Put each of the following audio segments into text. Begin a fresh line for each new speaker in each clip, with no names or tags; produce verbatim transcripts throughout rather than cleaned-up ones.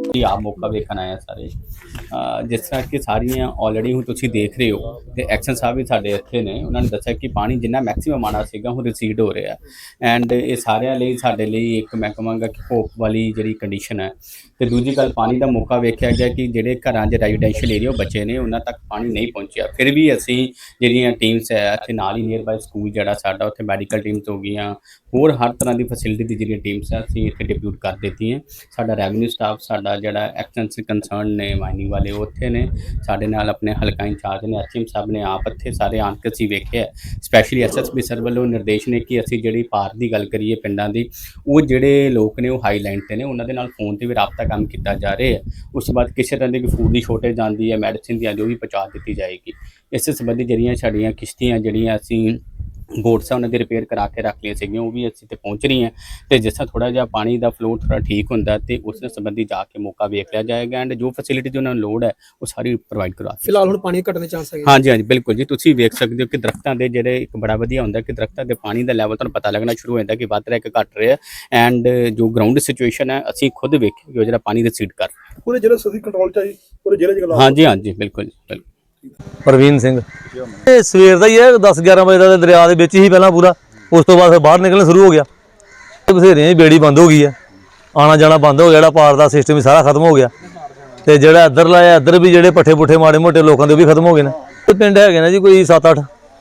ਕਿ ਆਪ ਮੌਕਾ ਵੇਖਣ ਆਏ ਆ ਸਾਰੇ। ਅ, ਜਿਸ ਤਰ੍ਹਾਂ ਕਿ ਸਾਰੀਆਂ ਆਲਰੇਡੀ ਹੁਣ ਤੁਸੀਂ ਦੇਖ ਰਹੇ ਹੋ ਤੇ ਐਕਸ਼ਨ ਸਾਹਿਬ ਵੀ ਸਾਡੇ ਇੱਥੇ ਨੇ, ਉਹਨਾਂ ਨੇ ਦੱਸਿਆ ਕਿ ਪਾਣੀ ਜਿੰਨਾ ਮੈਕਸਿਮਮ ਆਉਣਾ ਸੀਗਾ ਹੁਣ ਰਿਸੀਡ ਹੋ ਰਿਹਾ ਐਂਡ ਇਹ ਸਾਰਿਆਂ ਲਈ ਸਾਡੇ ਲਈ ਇੱਕ ਮੈਂ ਕਹਾਂਗਾ ਕਿ ਹੋਪ ਵਾਲੀ ਜਿਹੜੀ ਕੰਡੀਸ਼ਨ ਹੈ। ਤੇ ਦੂਜੀ ਗੱਲ, ਪਾਣੀ ਦਾ ਮੌਕਾ ਵੇਖਿਆ ਗਿਆ ਕਿ ਜਿਹੜੇ ਘਰਾਂ 'ਚ ਰੈਜ਼ੀਡੈਂਸ਼ੀਅਲ ਏਰੀਆ ਬੱਚੇ ਨੇ ਉਹਨਾਂ ਤੱਕ ਪਾਣੀ ਨਹੀਂ ਪਹੁੰਚਿਆ। ਫਿਰ ਵੀ ਅਸੀਂ ਜਿਹੜੀਆਂ ਟੀਮਸ ਹੈ ਇੱਥੇ ਨਾਲ ਹੀ ਨੀਅਰ ਬਾਏ ਸਕੂਲ ਜਿਹੜਾ ਸਾਡਾ, ਉੱਥੇ ਮੈਡੀਕਲ ਟੀਮਸ ਹੋ ਗਈਆਂ, ਹੋਰ ਹਰ ਤਰ੍ਹਾਂ ਦੀ ਫੈਸਿਲਿਟੀ ਦੀ ਜਿਹੜੀਆਂ ਟੀਮਸ ਆ ਅਸੀਂ ਇੱਥੇ ਡਿਪਿਊਟ ਕਰ ਦਿੱਤੀਆਂ। ਸਾਡਾ ਰੈਵਨਿਊ ਸਟਾਫ, ਸਾਡਾ ਜਿਹੜਾ ਐਕਸ਼ਨ ਕੰਸਰਨ ਨੇ ਮਾਈਨਿੰਗ ਵਾਲੇ ਉਹ ਉੱਥੇ ਨੇ, ਸਾਡੇ ਨਾਲ ਆਪਣੇ ਹਲਕਾ ਇੰਚਾਰਜ ਨੇ, ਐਚ ਐਮ ਸਾਹਿਬ ਨੇ ਆਪ ਇੱਥੇ ਸਾਰੇ ਆਣ ਕੇ ਅਸੀਂ ਵੇਖਿਆ। Specially S S P sir ਵੱਲੋਂ ਨਿਰਦੇਸ਼ ਨੇ ਕਿ ਅਸੀਂ ਜਿਹੜੀ ਪਾਰ ਦੀ ਗੱਲ ਕਰੀਏ ਪਿੰਡਾਂ ਦੀ, ਉਹ ਜਿਹੜੇ ਲੋਕ ਨੇ ਉਹ ਹਾਈ ਲਾਈਨ 'ਤੇ ਨੇ, ਉਹਨਾਂ ਦੇ ਨਾਲ ਫੋਨ 'ਤੇ ਵੀ ਰਾਬਤਾ ਕੰਮ ਕੀਤਾ ਜਾ ਰਿਹਾ ਹੈ। ਉਸ ਤੋਂ ਬਾਅਦ ਕਿਸੇ ਤਰ੍ਹਾਂ ਦੀ ਕੋਈ ਫੂਡ ਦੀ ਸ਼ੋਰਟੇਜ ਆਉਂਦੀ ਹੈ, ਮੈਡੀਸਿਨ ਦੀ ਆਉਂਦੀ, ਉਹ ਵੀ ਪਹੁੰਚਾ ਦਿੱਤੀ ਜਾਏਗੀ। ਇਸ ਸੰਬੰਧੀ ਜਿਹੜੀਆਂ ਸਾਡੀਆਂ ਕਿਸ਼ਤੀਆਂ ਜਿਹੜੀਆਂ ਅਸੀਂ ਬੋਟਸ ਆ ਉਹਨਾਂ ਦੀ ਰਿਪੇਅਰ ਕਰਾ ਕੇ ਰੱਖ ਲਈਆਂ ਸੀਗੀਆਂ, ਉਹ ਵੀ ਅਸੀਂ ਤੇ ਪਹੁੰਚ ਰਹੀਆਂ। ਅਤੇ ਜਿਸ ਤਰ੍ਹਾਂ ਥੋੜ੍ਹਾ ਜਿਹਾ ਪਾਣੀ ਦਾ ਫਲੋ ਥੋੜ੍ਹਾ ਠੀਕ ਹੁੰਦਾ ਅਤੇ ਉਸ ਸੰਬੰਧੀ ਜਾ ਕੇ ਮੌਕਾ ਵੇਖ ਲਿਆ ਜਾਏਗਾ ਐਂਡ ਜੋ ਫੈਸਿਲਿਟੀ ਉਹਨਾਂ ਨੂੰ ਲੋੜ ਹੈ ਉਹ ਸਾਰੀ ਪ੍ਰੋਵਾਈਡ ਕਰਵਾ ਦਿੱਤੀ।
ਫਿਲਹਾਲ ਹੁਣ ਪਾਣੀ ਘਟਣ ਦੇ ਚਾਂਸ ਹੈਗੇ?
ਹਾਂਜੀ ਹਾਂਜੀ ਬਿਲਕੁਲ ਜੀ, ਤੁਸੀਂ ਵੇਖ ਸਕਦੇ ਹੋ ਕਿ ਦਰਖਤਾਂ ਦੇ ਜਿਹੜੇ ਇੱਕ ਬੜਾ ਵਧੀਆ ਹੁੰਦਾ ਕਿ ਦਰਖਤਾਂ ਦੇ ਪਾਣੀ ਦਾ ਲੈਵਲ ਤੁਹਾਨੂੰ ਪਤਾ ਲੱਗਣਾ ਸ਼ੁਰੂ ਹੋ ਜਾਂਦਾ ਕਿ ਵੱਧ ਰਿਹਾ ਕਿ ਘਟ ਰਿਹਾ ਐਂਡ ਜੋ ਗਰਾਊਂਡ ਸਿਚੁਏਸ਼ਨ ਹੈ ਅਸੀਂ ਖੁਦ ਵੇਖੀ ਕਿ ਜਿਹੜਾ ਪਾਣੀ ਰਿਸੀਡ ਕਰ
ਪੂਰੇ ਜ਼ਿਲ੍ਹੇ ਸਦੀ ਕੰਟਰੋਲ 'ਚ ਆਈ, ਪੂਰੇ ਜ਼ਿਲ੍ਹੇ 'ਚ?
ਹਾਂਜੀ ਹਾਂਜੀ ਬਿਲਕੁਲ ਜੀ ਬਿਲਕੁਲ।
ਪ੍ਰਵੀਨ ਸਿੰਘ। ਇਹ ਸਵੇਰ ਦਾ ਹੀ ਹੈ, ਦਸ ਗਿਆਰਾਂ ਵਜੇ ਦਾ ਦਰਿਆ ਦੇ ਵਿੱਚ ਹੀ ਪਹਿਲਾਂ ਪੂਰਾ, ਉਸ ਤੋਂ ਬਾਅਦ ਫਿਰ ਬਾਹਰ ਨਿਕਲਣਾ ਸ਼ੁਰੂ ਹੋ ਗਿਆ। ਬਥੇਰਿਆਂ ਦੀ ਬੇੜੀ ਬੰਦ ਹੋ ਗਈ ਹੈ, ਆਉਣਾ ਜਾਣਾ ਬੰਦ ਹੋ ਗਿਆ, ਜਿਹੜਾ ਪਾਰ ਦਾ ਸਿਸਟਮ ਵੀ ਸਾਰਾ ਖਤਮ ਹੋ ਗਿਆ। ਤੇ ਜਿਹੜਾ ਇੱਧਰ ਲਾਇਆ ਇੱਧਰ ਵੀ ਜਿਹੜੇ ਪੱਠੇ ਪੁੱਠੇ ਮਾੜੇ ਮੋਟੇ ਲੋਕਾਂ ਦੇ ਉਹ ਵੀ ਖਤਮ ਹੋ ਗਏ ਨੇ। ਤੇ ਪਿੰਡ ਹੈਗੇ ਨੇ ਜੀ ਕੋਈ ਸੱਤ ਅੱਠ,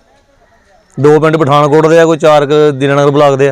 ਦੋ ਪਿੰਡ ਪਠਾਨਕੋਟ ਦੇ ਆ, ਕੋਈ ਚਾਰ ਕੁ ਦੀਨਾਨਗਰ ਬਲਾਕ ਦੇ ਆ।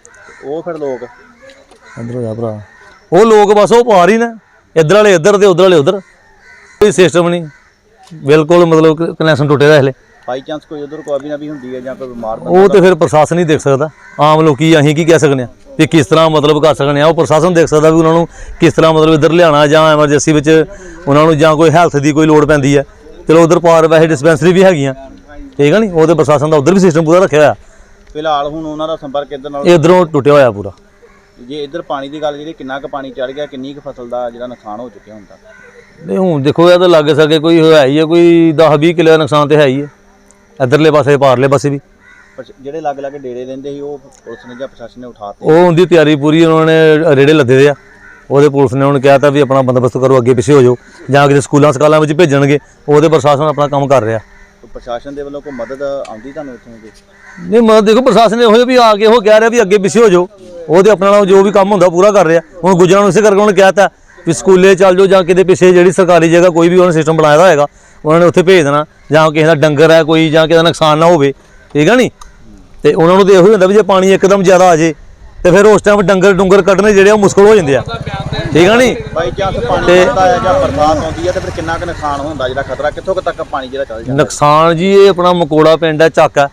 ਉਹ ਫਿਰ ਲੋਕ
ਇੱਧਰ ਹੋ ਜਾ ਭਰਾ, ਉਹ ਲੋਕ ਬਸ ਉਹ ਪਾਰ ਹੀ ਨੇ, ਇੱਧਰ ਵਾਲੇ ਇੱਧਰ ਤੇ ਉੱਧਰ ਵਾਲੇ ਉੱਧਰ, ਕੋਈ ਸਿਸਟਮ ਨਹੀਂ, ਬਿਲਕੁਲ ਮਤਲਬ ਕਨੈਕਸ਼ਨ ਟੁੱਟੇ ਦਾ ਹਲੇ।
ਬਾਈ ਚਾਂਸ ਕੋਈ ਉਧਰ ਕੋਈ ਵੀ ਨਾ ਵੀ ਹੁੰਦੀ ਹੈ ਜਾਂ ਕੋਈ ਬਿਮਾਰ
ਉਹ ਤੇ ਫਿਰ ਪ੍ਰਸ਼ਾਸਨ ਹੀ ਦੇਖ ਸਕਦਾ, ਆਮ ਲੋਕੀ ਅਸੀਂ ਕੀ ਕਹਿ ਸਕਦੇ ਹਾਂ ਵੀ ਕਿਸ ਤਰ੍ਹਾਂ ਮਤਲਬ ਕਰ ਸਕਦੇ ਆ। ਉਹ ਪ੍ਰਸ਼ਾਸਨ ਦੇਖ ਸਕਦਾ ਵੀ ਉਹਨਾਂ ਨੂੰ ਕਿਸ ਤਰ੍ਹਾਂ ਮਤਲਬ ਇੱਧਰ ਲਿਆਉਣਾ ਜਾਂ ਐਮਰਜੈਂਸੀ ਵਿੱਚ ਉਹਨਾਂ ਨੂੰ ਜਾਂ ਕੋਈ ਹੈਲਥ ਦੀ ਕੋਈ ਲੋੜ ਪੈਂਦੀ ਹੈ। ਚਲੋ ਉਧਰ ਪਾਰ ਵੈਸੇ ਡਿਸਪੈਂਸਰੀ ਵੀ ਹੈਗੀਆਂ, ਠੀਕ ਹੈ ਨਹੀਂ, ਉਹਦੇ ਪ੍ਰਸ਼ਾਸਨ ਦਾ ਉਧਰ ਵੀ ਸਿਸਟਮ ਪੂਰਾ ਰੱਖਿਆ ਹੋਇਆ।
ਫਿਲਹਾਲ ਹੁਣ ਉਹਨਾਂ ਦਾ ਸੰਪਰਕ ਇੱਧਰ ਨਾਲ
ਇੱਧਰੋਂ ਟੁੱਟਿਆ ਹੋਇਆ ਪੂਰਾ।
ਜੇ ਇੱਧਰ ਪਾਣੀ ਦੀ ਗੱਲ ਜਿਹੜੀ ਕਿੰਨਾ ਕੁ ਪਾਣੀ ਚੜ ਗਿਆ, ਕਿੰਨੀ ਕੁ ਫਸਲ ਦਾ ਜਿਹੜਾ ਨੁਕਸਾਨ ਹੋ ਚੁੱਕਿਆ ਹੁੰਦਾ?
ਨਹੀਂ ਹੁਣ ਦੇਖੋ ਇਹ ਤਾਂ ਲੱਗ ਸਕੇ ਕੋਈ ਹੈ ਹੀ ਹੈ, ਕੋਈ ਦਸ ਵੀਹ ਕਿੱਲੇ ਦਾ ਨੁਕਸਾਨ ਤਾਂ ਹੈ ਹੀ ਹੈ, ਇੱਧਰਲੇ ਪਾਸੇ ਪਾਰਲੇ ਪਾਸੇ ਵੀ।
ਜਿਹੜੇ ਲੱਗ ਲੱਗ ਡੇਰੇ ਰਹਿੰਦੇ ਸੀ ਉਹ ਪੁਲਿਸ ਨੇ ਜਾਂ ਪ੍ਰਸ਼ਾਸਨ ਨੇ ਉਠਾਤੇ?
ਉਹ ਉਹਦੀ ਤਿਆਰੀ ਪੂਰੀ, ਉਹਨਾਂ ਨੇ ਰੇੜੇ ਲੱਦੇ ਦੇ ਆ, ਉਹਦੇ ਪੁਲਿਸ ਨੇ ਉਹਨੂੰ ਕਿਹਾ ਤਾਂ ਵੀ ਆਪਣਾ ਬੰਦੋਬਸਤ ਕਰੋ, ਅੱਗੇ ਪਿੱਛੇ ਹੋ ਜਾਓ, ਜਾਂ ਕਿਤੇ ਸਕੂਲਾਂ ਸਕਾਲਾਂ ਵਿੱਚ ਭੇਜਣਗੇ, ਉਹਦੇ ਪ੍ਰਸ਼ਾਸਨ ਆਪਣਾ ਕੰਮ ਕਰ ਰਿਹਾ।
ਪ੍ਰਸ਼ਾਸਨ ਦੇ ਵੱਲੋਂ ਕੋਈ ਮਦਦ ਆਉਂਦੀ ਤੁਹਾਨੂੰ ਇੱਥੋਂ ਦੀ?
ਨਹੀਂ ਮਦਦ ਦੇਖੋ ਪ੍ਰਸ਼ਾਸਨ ਨੇ ਉਹੋ ਵੀ ਆ ਕੇ ਉਹ ਕਹਿ ਰਿਹਾ ਵੀ ਅੱਗੇ ਪਿੱਛੇ ਹੋ ਜਾਓ, ਉਹਦੇ ਆਪਣੇ ਨਾਲ ਜੋ ਵੀ ਕੰਮ ਹੁੰਦਾ ਪੂਰਾ ਕਰ ਰਿਹਾ। ਹੁਣ ਗੁੱਜਰਾਂ ਨੂੰ ਇਸੇ ਕਰਕੇ ਉਹਨੇ ਕਹਿ ਤਾ ਵੀ ਸਕੂਲੇ ਚੱਲ ਜਾਓ ਜਾਂ ਕਿਤੇ ਪਿੱਛੇ ਜਿਹੜੀ ਸਰਕਾਰੀ ਜਗ੍ਹਾ ਕੋਈ ਵੀ ਉਹਨੇ ਸਿਸਟਮ ਬਣਾਇਆ ਹੋਏਗਾ ਉਹਨਾਂ ਨੇ ਉੱਥੇ ਭੇਜ ਦੇਣਾ, ਜਾਂ ਕਿਸੇ ਦਾ ਡੰਗਰ ਹੈ ਕੋਈ ਜਾਂ ਕਿਸੇ ਦਾ ਨੁਕਸਾਨ ਨਾ ਹੋਵੇ, ਠੀਕ ਹੈ ਨਹੀਂ। ਤੇ ਉਹਨਾਂ ਨੂੰ ਤਾਂ ਇਹੋ ਹੀ ਹੁੰਦਾ ਵੀ ਜੇ ਪਾਣੀ ਇੱਕਦਮ ਜ਼ਿਆਦਾ ਆ ਜੇ ਤੇ ਫਿਰ ਉਸ ਟਾਈਮ ਡੰਗਰ ਡੁੰਗਰ ਕੱਢਣੇ ਜਿਹੜੇ ਉਹ ਮੁਸ਼ਕਲ ਹੋ ਜਾਂਦੇ ਆ, ਠੀਕ ਹੈ ਨਹੀਂ।
ਬਾਈ ਚਾਂਸ ਪਾਣੀ ਆਉਂਦਾ ਹੈ ਜਾਂ ਬਰਸਾਤ ਆਉਂਦੀ ਹੈ ਤੇ ਫਿਰ ਕਿੰਨਾ ਕੁ ਨੁਕਸਾਨ ਹੁੰਦਾ, ਜਿਹੜਾ ਖਤਰਾ ਕਿੱਥੋਂ ਕੁ ਤੱਕ ਪਾਣੀ ਜਿਹੜਾ ਚੱਲ ਜਾਂਦਾ?
ਨੁਕਸਾਨ ਜੀ ਇਹ ਆਪਣਾ ਮਕੋੜਾ ਪਿੰਡ ਹੈ, ਚੱਕ ਹੈ,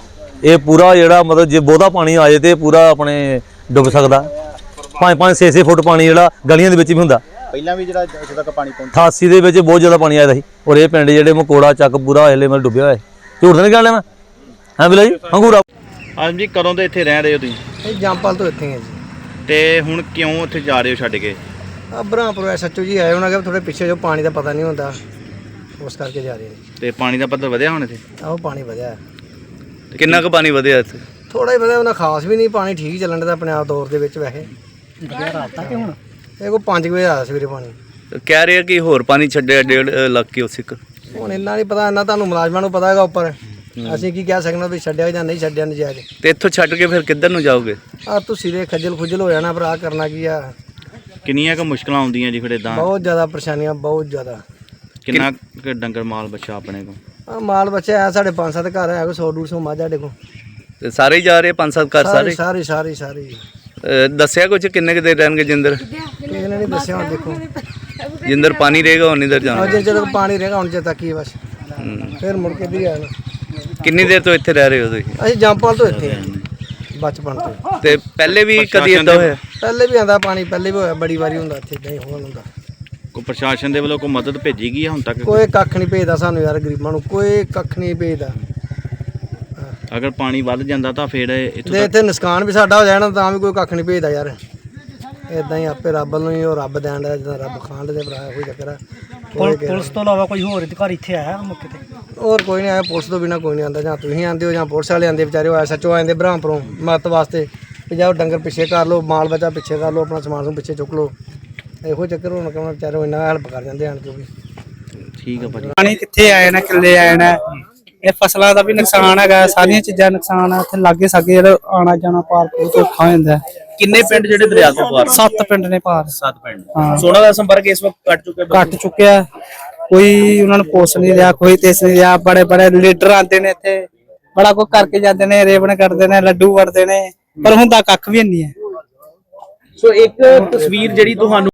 ਇਹ ਪੂਰਾ ਜਿਹੜਾ ਮਤਲਬ ਜੇ ਬਹੁਤਾ ਪਾਣੀ ਆ ਜਾਏ ਤੇ ਪੂਰਾ ਆਪਣੇ ਡੁੱਬ ਸਕਦਾ। ਪੰਜ ਪੰਜ ਛੇ ਛੇ ਫੁੱਟ ਪਾਣੀ ਜਿਹੜਾ ਗਲੀਆਂ ਦੇ ਵਿੱਚ ਵੀ ਹੁੰਦਾ।
ਪਹਿਲਾਂ ਵੀ ਜਿਹੜਾ ਇੱਥੇ ਤੱਕ ਪਾਣੀ ਪਹੁੰਚਿਆ
ਅਠਾਸੀ ਦੇ ਵਿੱਚ ਬਹੁਤ ਜ਼ਿਆਦਾ ਪਾਣੀ ਆਇਆ ਸੀ, ਔਰ ਇਹ ਪਿੰਡ ਜਿਹੜੇ ਮਕੋੜਾ ਚੱਕ ਪੂਰਾ ਹਲੇ ਮਤਲਬ ਡੁੱਬਿਆ ਹੋਇਆ। ਝੂਠ ਤਾਂ ਨਹੀਂ ਕਹਿ ਲਿਆ ਮੈਂ, ਹਾਂ ਬਿਲਾ ਜੀ ਹੰਗੂਰਾ।
ਹਾਂਜੀ ਜੀ, ਕਦੋਂ ਦੇ ਇੱਥੇ ਰਹਿ ਰਹੇ ਹੋ ਤੁਸੀਂ?
ਇਹ ਜੰਪਲ ਤੋਂ ਇੱਥੇ ਹੈ ਜੀ।
ਤੇ ਹੁਣ ਕਿਉਂ ਉੱਥੇ ਜਾ ਰਹੇ ਹੋ ਛੱਡ ਕੇ?
ਆ ਬ੍ਰਹਮਪੁਰ ਐਸ ਐਚ ਓ ਜੀ ਆਏ, ਉਹਨਾਂ ਕਹਿੰਦੇ ਥੋੜੇ ਪਿੱਛੇ ਜੋ ਪਾਣੀ ਦਾ ਪਤਾ ਨਹੀਂ ਹੁੰਦਾ, ਉਸ ਕਰਕੇ ਜਾ ਰਹੇ ਨੇ।
ਤੇ ਪਾਣੀ ਦਾ ਪੱਧਰ ਵਧਿਆ ਹੁਣ ਇੱਥੇ?
ਆਹੋ ਪਾਣੀ ਵਧਿਆ,
ਕਿੰਨਾ ਕੁ ਪਾਣੀ ਵਧਿਆ ਇੱਥੇ?
ਥੋੜਾ ਹੀ ਵਧਿਆ, ਉਹਨਾਂ ਖਾਸ ਵੀ ਨਹੀਂ, ਪਾਣੀ ਠੀਕ ਚੱਲਣ ਦਾ ਆਪਣੇ ਆਪ ਦੌਰ ਦੇ ਵਿੱਚ। ਵੈਸੇ ਵਧਿਆ ਰਾਤ ਤੱਕ ਹੁਣ ਇਹ ਕੋਈ ਪੰਜ ਵਜੇ ਆਇਆ ਸਵੇਰੇ ਪਾਣੀ।
ਕਹਿ ਰਹੇ ਕਿ ਹੋਰ ਪਾਣੀ ਛੱਡਿਆ ਡੇਢ ਲੱਖ ਕੇ ਉਸ ਇੱਕ।
ਹੁਣ ਇੰਨਾ ਨਹੀਂ ਪਤਾ, ਇੰਨਾ ਤੁਹਾਨੂੰ ਮੁਲਾਜ਼ਮਾਂ ਨੂੰ ਪਤਾ ਹੈਗਾ ਉੱਪਰ, ਅਸੀਂ ਕੀ ਕਹਿ ਸਕਦੇ ਵੀ ਛੱਡਿਆ ਜਾਂ ਨਹੀਂ ਛੱਡਿਆ ਨਜਾਇਜ਼।
ਤੇ ਇੱਥੋਂ ਛੱਡ ਕੇ ਫਿਰ ਕਿੱਧਰ ਨੂੰ ਜਾਓਗੇ?
ਆ ਤੁਸੀਂ ਦੇ ਖੱਜਲ ਖੁੱਜਲ ਹੋ ਜਾਣਾ ਭਰਾ, ਕਰਨਾ ਕੀ ਆ।
ਕਿੰਨੀਆਂ ਕੁ ਮੁਸ਼ਕਲਾਂ ਆਉਂਦੀਆਂ ਜੀ ਫਿਰ ਇਦਾਂ?
ਬਹੁਤ ਜ਼ਿਆਦਾ ਪਰੇਸ਼ਾਨੀਆਂ, ਬਹੁਤ ਜ਼ਿਆਦਾ।
ਕਿੰਨਾ ਕੁ ਡੰਗਰ ਮਾਲ ਬੱਚਾ ਆਪਣੇ ਕੋਲ?
ਆ ਮਾਲ ਬੱਚਾ ਹੈ ਸਾਡੇ ਪੰਜ ਸੱਤ ਘਰ ਹੈ, ਕੋਈ ਸੌ ਡੂਢ ਸੌ ਮੱਝ ਸਾਡੇ ਕੋਲ।
ਤੇ ਸਾਰੇ ਹੀ ਜਾ ਰਹੇ ਪੰਜ ਸੱਤ ਘਰ ਸਾਰੇ?
ਸਾਰੇ ਸਾਰੇ ਸਾਰੇ।
ਦੱਸਿਆ ਕੁਝ ਕਿੰਨੇ ਕੁ ਦੇਰ ਰਹਿਣਗੇ ਜਿੰਦਰ?
ਕਿਸੇ ਨੇ ਨਹੀਂ ਦੱਸਿਆ, ਹੁਣ ਦੇਖੋ
ਜਿੰਦਰ ਪਾਣੀ ਰਹੇਗਾ ਹੁਣ ਇਧਰ ਜਾਣਾ।
ਜੇ ਜਦੋਂ ਪਾਣੀ ਰਹੇਗਾ ਹੁਣ ਜੇ ਤੱਕ ਹੀ ਬਸ, ਫਿਰ ਮੁੜ ਕੇ ਵੀ ਆਣਾ।
ਕਿੰਨੀ ਦੇਰ ਤੋਂ ਇੱਥੇ ਰਹਿ ਰਹੇ ਹੋ ਤੁਸੀਂ?
ਅਸੀਂ ਜੰਪਾਲ ਤੋਂ ਇੱਥੇ ਹਾਂ ਬਚਪਨ ਤੋਂ।
ਤੇ ਪਹਿਲੇ ਵੀ ਕਦੀ ਇਦਾਂ ਹੋਇਆ?
ਪਹਿਲੇ ਵੀ ਆਂਦਾ ਪਾਣੀ, ਪਹਿਲੇ ਵੀ ਹੋਇਆ, ਬੜੀ ਵਾਰੀ ਹੁੰਦਾ ਇੱਥੇ, ਨਹੀਂ ਹੋਣ ਹੁੰਦਾ।
ਕੋਈ ਪ੍ਰਸ਼ਾਸਨ ਦੇ ਵੱਲੋਂ ਕੋਈ ਮਦਦ ਭੇਜੀ ਗਈ ਹੈ ਹੁਣ ਤੱਕ?
ਕੋਈ ਕੱਖ ਨਹੀਂ ਭੇਜਦਾ ਸਾਨੂੰ ਯਾਰ, ਗਰੀਬਾਂ ਨੂੰ ਕੋਈ ਕੱਖ ਨਹੀਂ ਭੇਜਦਾ।
ਅਗਰ ਪਾਣੀ ਵੱਧ ਜਾਂਦਾ ਤਾਂ ਫਿਰ ਇੱਥੋਂ
ਤੇ ਇੱਥੇ ਨੁਕਸਾਨ ਵੀ ਸਾਡਾ ਹੋ ਜਾਣਾ ਤਾਂ ਵੀ ਕੋਈ ਕੱਖ ਨਹੀਂ ਭੇਜਦਾ ਯਾਰ। ਇਦਾਂ ਹੀ ਆਪੇ ਰੱਬ ਨੂੰ ਹੀ ਉਹ ਰੱਬ ਦੇਣ ਦਾ, ਜਿੱਦਾਂ ਰੱਬ ਖਾਣ ਦੇ ਭਰਾ ਕੋਈ ਚੱਕਰ ਆ।
ਪੁਲਿਸ ਤੋਂ ਇਲਾਵਾ ਕੋਈ ਹੋਰ ਅਧਿਕਾਰੀ ਇੱਥੇ ਆਇਆ ਮੌਕੇ ਤੇ?
ਹੋਰ ਕੋਈ ਨਹੀਂ ਆਇਆ, ਪੁਲਿਸ ਤੋਂ ਬਿਨਾਂ ਕੋਈ ਨਹੀਂ ਆਉਂਦਾ। ਜਾਂ ਤੁਸੀਂ ਆਉਂਦੇ ਹੋ ਜਾਂ ਪੁਲਿਸ ਵਾਲੇ ਆਉਂਦੇ ਵਿਚਾਰੇ, ਉਹ ਐਸ ਐਚ ਓ ਆਉਂਦੇ ਬ੍ਰਹਮਪੁਰੋਂ ਮਦਦ ਵਾਸਤੇ ਵੀ ਜਾਓ ਡੰਗਰ ਪਿੱਛੇ ਕਰ ਲਓ, ਮਾਲ ਬੱਚਾ ਪਿੱਛੇ ਕਰ ਲਓ, ਆਪਣਾ ਸਮਾਨ ਨੂੰ ਪਿੱਛੇ ਚੁੱਕ ਲਓ। ਇਹੋ ਚੱਕਰ ਹੁਣ ਕਹਿੰਦਾ ਵਿਚਾਰੇ ਇੰਨਾ ਹੈਲਪ ਕਰ ਜਾਂਦੇ ਆਣ ਕੇ ਵੀ।
ਠੀਕ ਆ ਭਾਜੀ।
ਪਾਣੀ ਕਿੱਥੇ ਆਏ ਨਾ ਕਿੱਲੇ ਆਏ ਨਾ ਇਹ ਫਸਲਾਂ ਦਾ ਵੀ ਨੁਕਸਾਨ ਹੈਗਾ ਸਾਰੀਆਂ ਚੀਜ਼ਾਂ ਨੁਕਸਾਨ ਆ ਇੱਥੇ ਲਾਗੇ ਸਾਗੇ ਜਿਹੜਾ ਆਣਾ ਜਾਣਾ ਪਾਰ ਬਹੁਤ ਔਖਾ ਹੋ ਜਾਂਦਾ
ਕਿੰਨੇ ਪਿੰਡ ਜਿਹੜੇ ਦਰਿਆ ਤੋਂ ਪਾਰ?
ਸੱਤ ਪਿੰਡ ਨੇ ਪਾਰ
ਸੱਤ ਪਿੰਡ।
ਹਾਂ।
ਸੋਨਾ ਦਾ ਸੰਪਰਕ ਇਸ ਵਕਤ ਕੱਟ ਚੁੱਕੇ
ਕੱਟ ਚੁੱਕਿਆ ਕੋਈ ਉਹਨਾਂ ਨੂੰ ਪੁੱਛ ਨਹੀਂ ਰਿਹਾ ਕੋਈ ਤੇਸ ਨਹੀਂ ਰਿਹਾ ਬੜੇ ਬੜੇ ਲੀਡਰ ਆਉਂਦੇ ਨੇ ਇੱਥੇ ਬੜਾ ਕੁਝ ਕਰਕੇ ਜਾਂਦੇ ਨੇ ਰੇਵਣ ਕਰਦੇ ਨੇ ਲੱਡੂ ਵੜਦੇ ਨੇ ਪਰ ਹੁੰਦਾ ਕੱਖ ਵੀ ਨਹੀਂ ਹੈ।
ਸੋ ਇੱਕ ਤਸਵੀਰ ਜਿਹੜੀ ਤੁਹਾਨੂੰ